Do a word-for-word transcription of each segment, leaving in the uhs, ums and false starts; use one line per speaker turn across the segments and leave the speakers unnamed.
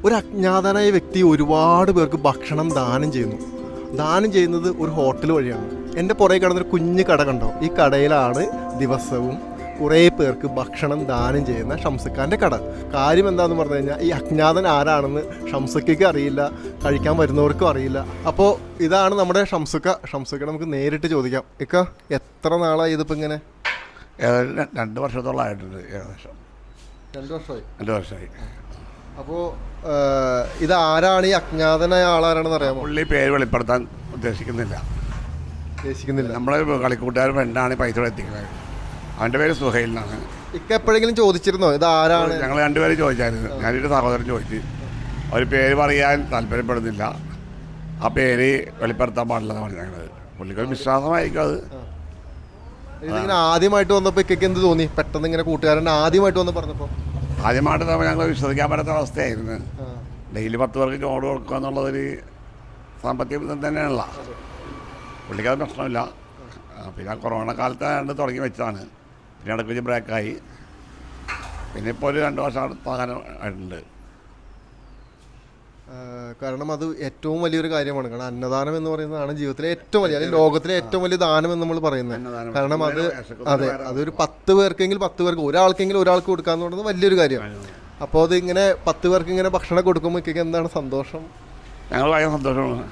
ഒരു അജ്ഞാതനായ വ്യക്തി ഒരുപാട് പേർക്ക് ഭക്ഷണം ദാനം ചെയ്യുന്നു. ദാനം ചെയ്യുന്നത് ഒരു ഹോട്ടൽ വഴിയാണ്. എൻ്റെ പുറകെ കിടന്നൊരു കുഞ്ഞു കട കണ്ടോ? ഈ കടയിലാണ് ദിവസവും കുറേ പേർക്ക് ഭക്ഷണം ദാനം ചെയ്യുന്ന ഷംസുക്കാൻ്റെ കട. കാര്യം എന്താണെന്ന് പറഞ്ഞു കഴിഞ്ഞാൽ ഈ അജ്ഞാതൻ ആരാണെന്ന് ഷംസുക്കയ്ക്ക് അറിയില്ല, കഴിക്കാൻ വരുന്നവർക്കും അറിയില്ല. അപ്പോൾ ഇതാണ് നമ്മുടെ ഷംസുക്ക. ഷംസുക്ക നമുക്ക് നേരിട്ട് ചോദിക്കാം. ഇക്ക, എത്ര നാളായി ഇതിപ്പോൾ ഇങ്ങനെ?
രണ്ട് വർഷത്തോളമായിട്ടുണ്ട്. ഏകദേശം
രണ്ട് വർഷമായി
രണ്ട് വർഷമായി
അപ്പോൾ ഇത് ആരാണ്? ഈ അജ്ഞാതനായ ആളാരാണെന്ന് അറിയാമോ?
പുള്ളി പേര് വെളിപ്പെടുത്താൻ ഉദ്ദേശിക്കുന്നില്ല
ഉദ്ദേശിക്കുന്നില്ല
നമ്മളെ കളിക്കൂട്ടുകാരൻ ഫ്രണ്ടാണ് പൈസ എത്തിക്കുന്നത്. അവൻ്റെ പേര് സുഹൈൽ എന്നാണ്.
ഇക്ക എപ്പോഴെങ്കിലും ചോദിച്ചിരുന്നോ ഇത് ആരാണ്?
ഞങ്ങൾ രണ്ടുപേരും ചോദിച്ചായിരുന്നു. ഞാനൊരു സഹോദരൻ ചോദിച്ചു. അവർ പേര് പറയാൻ താല്പര്യപ്പെടുന്നില്ല, ആ പേര് വെളിപ്പെടുത്താൻ പാടില്ലെന്ന് പറഞ്ഞു. ഞങ്ങൾ പുള്ളിക്കൊരു വിശ്വാസമായിരിക്കും അത്.
ഇതിങ്ങനെ ആദ്യമായിട്ട് വന്നപ്പോൾ ഇക്കൊക്കെ എന്ത് തോന്നി? പെട്ടെന്ന് ഇങ്ങനെ കൂട്ടുകാരൻ ആദ്യമായിട്ട് വന്ന് പറഞ്ഞപ്പോൾ
ആദ്യമായിട്ട് നമ്മൾ ഞങ്ങൾ വിശ്വസിക്കാൻ പറ്റാത്ത അവസ്ഥയായിരുന്നു. ഡെയിലി പത്ത് പേർക്ക് ചോറ് കൊടുക്കുക എന്നുള്ളതൊരു സാമ്പത്തിക ബന്ധം തന്നെയാണല്ല. പുള്ളിക്കത് പ്രശ്നമില്ല. പിന്നെ കൊറോണ കാലത്താണ്ട് തുടങ്ങി വെച്ചതാണ്. പിന്നെ ഇടയ്ക്ക് വെച്ച് ബ്രേക്കായി. പിന്നെ ഇപ്പോൾ ഒരു രണ്ട് വർഷം താകാനം ആയിട്ടുണ്ട്.
കാരണം അത് ഏറ്റവും വലിയൊരു കാര്യമാണ്. കാരണം അന്നദാനം എന്ന് പറയുന്നതാണ് ജീവിതത്തിലെ ഏറ്റവും വലിയ, അല്ലെങ്കിൽ ലോകത്തിലെ ഏറ്റവും വലിയ ദാനം എന്ന് നമ്മൾ പറയുന്നത്. കാരണം അത് അതെ അതൊരു പത്ത് പേർക്കെങ്കിൽ പത്ത് പേർക്ക് ഒരാൾക്കെങ്കിലും ഒരാൾക്ക് കൊടുക്കാന്ന് പറയുന്നത് വലിയൊരു കാര്യമാണ്. അപ്പോൾ അത് ഇങ്ങനെ പത്ത് പേർക്ക് ഇങ്ങനെ ഭക്ഷണം കൊടുക്കുമ്പോൾ ഇക്കൊക്കെ എന്താണ് സന്തോഷം?
ഞങ്ങൾ ഭയങ്കര സന്തോഷമാണ്.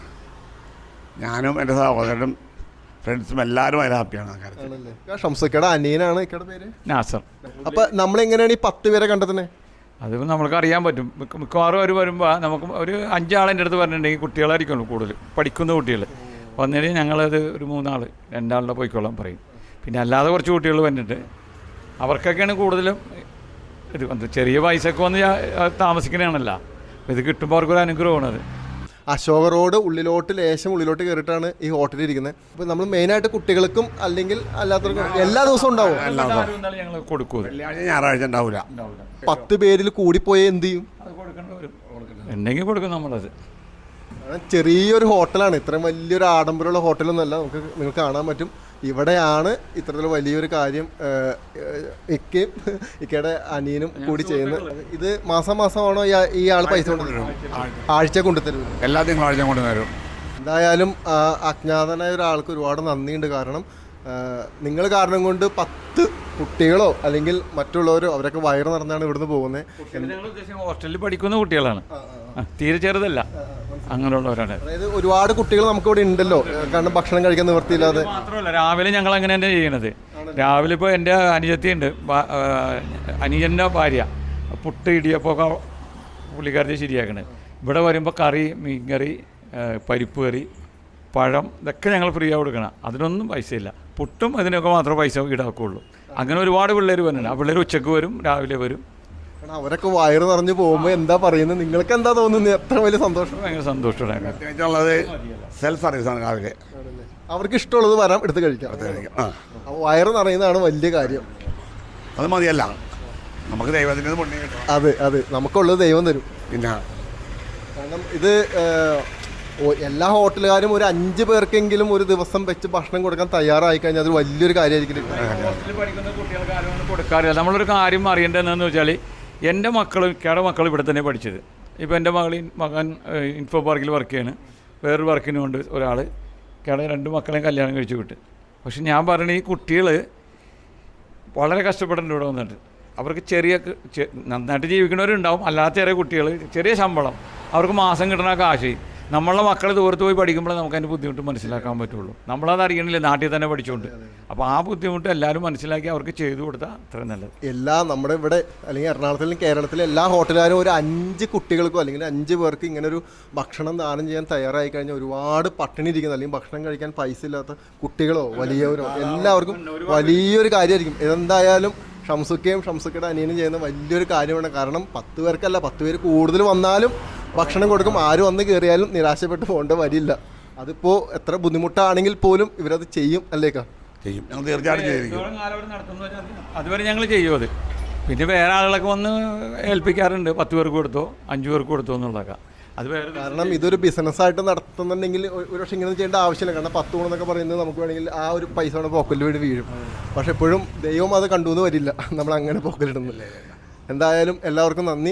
ഞാനും എൻ്റെ സഹോദരനും ഫ്രണ്ട്സും എല്ലാവരും അതിൽ ഹാപ്പിയാണ്.
ഷംസുക്കയുടെ അനിയനാണ് ഇക്കയുടെ പേര്
നാസർ.
അപ്പം നമ്മളെങ്ങനെയാണ് ഈ പത്ത് പേരെ കണ്ടെത്തുന്നത്?
അത് നമുക്ക് അറിയാൻ പറ്റും. മിക്ക മിക്കവാറും അവർ വരുമ്പോൾ നമുക്ക് ഒരു അഞ്ചാളെൻ്റെ അടുത്ത് പറഞ്ഞിട്ടുണ്ടെങ്കിൽ കുട്ടികളായിരിക്കുള്ളൂ കൂടുതൽ, പഠിക്കുന്ന കുട്ടികൾ വന്നിട്ട് ഞങ്ങളത് ഒരു മൂന്നാൾ രണ്ടാളുടെ പോയിക്കോളാൻ പറയും. പിന്നെ അല്ലാതെ കുറച്ച് കുട്ടികൾ വന്നിട്ട് അവർക്കൊക്കെയാണ് കൂടുതലും ഇത് വന്ന് ചെറിയ പൈസക്ക് വന്ന് താമസിക്കണതാണല്ലോ. അപ്പോൾ ഇത് കിട്ടുമ്പോൾ അവർക്കൊരു അനുഗ്രഹമാണ്. അത്
അശോക റോഡ് ഉള്ളിലോട്ട് ലേശം ഉള്ളിലോട്ട് കയറിയിട്ടാണ് ഈ ഹോട്ടലിൽ ഇരിക്കുന്നത്. അപ്പോൾ നമ്മൾ മെയിനായിട്ട് കുട്ടികൾക്കും അല്ലെങ്കിൽ അല്ലാത്തവർക്കും എല്ലാ ദിവസവും ഉണ്ടാവും.
ഞങ്ങൾ കൊടുക്കും.
ഞായറാഴ്ച ഉണ്ടാവില്ല.
പത്ത് പേരിൽ കൂടിപ്പോയാൽ എന്ത് ചെയ്യും?
ഉണ്ടെങ്കിൽ കൊടുക്കും നമ്മളത്.
ചെറിയൊരു ഹോട്ടലാണ്, ഇത്രയും വലിയൊരു ആഡംബരമുള്ള ഹോട്ടലൊന്നുമല്ല. നമുക്ക് നിങ്ങൾക്ക് കാണാൻ പറ്റും. ഇവിടെയാണ് ഇത്തരത്തിൽ വലിയൊരു കാര്യം ഇക്കയും ഇക്കയുടെ അനിയനും കൂടി ചെയ്യുന്നത്. ഇത് മാസം മാസമാണോ ഈ ആൾ പൈസ കൊണ്ടുതരും? ആഴ്ച കൊണ്ടുതരും.
എല്ലാ തിങ്കളാഴ്ച കൊണ്ടുതരും.
എന്തായാലും അജ്ഞാതനായ ഒരാൾക്ക് ഒരുപാട് നന്ദിയുണ്ട്. കാരണം നിങ്ങൾ കാരണം കൊണ്ട് പത്ത് കുട്ടികളോ അല്ലെങ്കിൽ മറ്റുള്ളവരോ അവരൊക്കെ വയറ് നിറഞ്ഞാണ് ഇവിടുന്ന് പോകുന്നത്.
ഹോസ്റ്റലിൽ പഠിക്കുന്ന കുട്ടികളാണ്, തീരെ ചെറുതല്ല, അങ്ങനെയുള്ളവരാണ്.
അതായത് ഒരുപാട് കുട്ടികൾ നമുക്ക് ഇവിടെ ഉണ്ടല്ലോ, കാരണം ഭക്ഷണം കഴിക്കാൻ നിവൃത്തിയില്ലാതെ.
മാത്രമല്ല രാവിലെ ഞങ്ങൾ അങ്ങനെ തന്നെ ചെയ്യണത്. രാവിലെ ഇപ്പോൾ എൻ്റെ അനുജത്തിയുണ്ട്, അനുജൻ്റെ ഭാര്യ പുട്ട് ഇടിയപ്പോൾ പുള്ളിക്കാരത്തെ ശരിയാക്കണത്. ഇവിടെ വരുമ്പോൾ കറി, മീൻ കറി, പരിപ്പ് കറി, പഴം, ഇതൊക്കെ ഞങ്ങൾ ഫ്രീ ആയി കൊടുക്കണം. അതിനൊന്നും പൈസയില്ല. പുട്ടും അതിനൊക്കെ മാത്രമേ പൈസ ഈടാക്കുകയുള്ളൂ. അങ്ങനെ ഒരുപാട് പിള്ളേർ വരുന്നുണ്ട്. ആ പിള്ളേർ ഉച്ചക്ക് വരും, രാവിലെ വരും.
അവരൊക്കെ വയറ് നിറഞ്ഞു പോകുമ്പോൾ എന്താ പറയുന്നത്? നിങ്ങൾക്ക് എന്താ തോന്നുന്നത്? എത്ര വലിയ സന്തോഷം!
ഭയങ്കര സന്തോഷമാണ്.
പ്രത്യേകിച്ചുള്ളത് സെൽഫ് സർവീസാണ്. രാവിലെ
അവർക്ക് ഇഷ്ടമുള്ളത് വരാം, എടുത്ത് കഴിക്കാം. അപ്പോൾ വയറ് നിറയുന്നതാണ് വലിയ കാര്യം.
അത് മതിയല്ല, നമുക്ക് ദൈവത്തിൻ്റെ പുണ്യം കിട്ടും.
അതെ അതെ നമുക്കുള്ളത് ദൈവം തരും.
പിന്നെ
കാരണം ഇത് എല്ലാ ഹോട്ടലുകാരും ഒരു അഞ്ച് പേർക്കെങ്കിലും ഒരു ദിവസം വെച്ച് ഭക്ഷണം കൊടുക്കാൻ തയ്യാറായി കഴിഞ്ഞാൽ അത് വലിയൊരു കാര്യമായിരിക്കും.
ഹോസ്റ്റലിൽ പഠിക്കുന്ന കുട്ടികൾക്ക് ആരും കൊടുക്കാറില്ല. നമ്മളൊരു കാര്യം അറിയേണ്ടതെന്ന് വെച്ചാൽ എൻ്റെ മക്കൾ ഇക്കയുടെ മക്കൾ ഇവിടെ തന്നെ പഠിച്ചത്. ഇപ്പോൾ എൻ്റെ മകൾ മകൻ ഇൻഫോ പാർക്കിൽ വർക്ക് ചെയ്യാണ്. വേറൊരു വർക്കിന് കൊണ്ട് ഒരാൾ ഇക്കയുടെ രണ്ട് മക്കളെയും കല്യാണം കഴിച്ചു വിട്ട്. പക്ഷെ ഞാൻ പറയണ ഈ കുട്ടികൾ വളരെ കഷ്ടപ്പെടേണ്ട ഇവിടെ വന്നിട്ട്. അവർക്ക് ചെറിയ നന്നായിട്ട് ജീവിക്കുന്നവരുണ്ടാവും, അല്ലാത്ത ചെറിയ കുട്ടികൾ ചെറിയ ശമ്പളം, അവർക്ക് മാസം കിട്ടുന്ന കാശ്. നമ്മളുടെ മക്കൾ ദൂരത്ത് പോയി പഠിക്കുമ്പോൾ നമുക്ക് അതിൻ്റെ ബുദ്ധിമുട്ട് മനസ്സിലാക്കാൻ പറ്റുള്ളൂ. നമ്മളത് അറിയണില്ല, നാട്ടിൽ തന്നെ പഠിച്ചുകൊണ്ട്. അപ്പോൾ ആ ബുദ്ധിമുട്ട് എല്ലാവരും മനസ്സിലാക്കി അവർക്ക് ചെയ്തു കൊടുത്താൽ അത്രയും നല്ലത്. എല്ലാ
നമ്മുടെ ഇവിടെ അല്ലെങ്കിൽ എറണാകുളത്തിലും കേരളത്തിലെ എല്ലാ ഹോട്ടലുകാരും ഒരു അഞ്ച് കുട്ടികൾക്കോ അല്ലെങ്കിൽ അഞ്ച് പേർക്ക് ഇങ്ങനെ ഒരു ഭക്ഷണം ദാനം ചെയ്യാൻ തയ്യാറായി കഴിഞ്ഞാൽ ഒരുപാട് പട്ടിണി ഇരിക്കുന്ന അല്ലെങ്കിൽ ഭക്ഷണം കഴിക്കാൻ പൈസ ഇല്ലാത്ത കുട്ടികളോ വലിയവരോ എല്ലാവർക്കും വലിയൊരു കാര്യമായിരിക്കും. എന്തായാലും ഷംസുക്കയും ഷംസുക്കയുടെ അനിയനും ചെയ്യുന്ന വലിയൊരു കാര്യമാണ്. കാരണം പത്ത് പേർക്കല്ല, പത്ത് പേര് കൂടുതൽ വന്നാലും ഭക്ഷണം കൊടുക്കും. ആര് വന്ന് കയറിയാലും നിരാശപ്പെട്ട് പോകേണ്ട വരില്ല. അതിപ്പോൾ എത്ര ബുദ്ധിമുട്ടാണെങ്കിൽ പോലും ഇവരത് ചെയ്യും. അല്ലേക്കാ?
ചെയ്യും, തീർച്ചയായിട്ടും ചെയ്യും.
അതുവരെ ഞങ്ങൾ ചെയ്യും അത്. പിന്നെ വേറെ ആളുകളൊക്കെ വന്ന് ഏൽപ്പിക്കാറുണ്ട്. പത്ത് പേർക്ക് കൊടുത്തോ അഞ്ചു പേർക്ക് കൊടുത്തോ എന്നുള്ളതൊക്കെ. അത് വേറെ
കാരണം ഇതൊരു ബിസിനസ്സായിട്ട് നടത്തുന്നുണ്ടെങ്കിൽ ഒരു പക്ഷേ ഇങ്ങനെ ചെയ്യേണ്ട ആവശ്യമില്ല. കാരണം പത്ത് ഗുണമെന്നൊക്കെ പറയുന്നത് നമുക്ക് വേണമെങ്കിൽ ആ ഒരു പൈസ കൊണ്ട് പോക്കലിൽ വേണ്ടി വീഴും. പക്ഷെ എപ്പോഴും ദൈവം അത് കണ്ടു എന്ന് വരില്ല നമ്മൾ അങ്ങനെ പോക്കലിടുന്നില്ല. എന്തായാലും എല്ലാവർക്കും നന്ദി.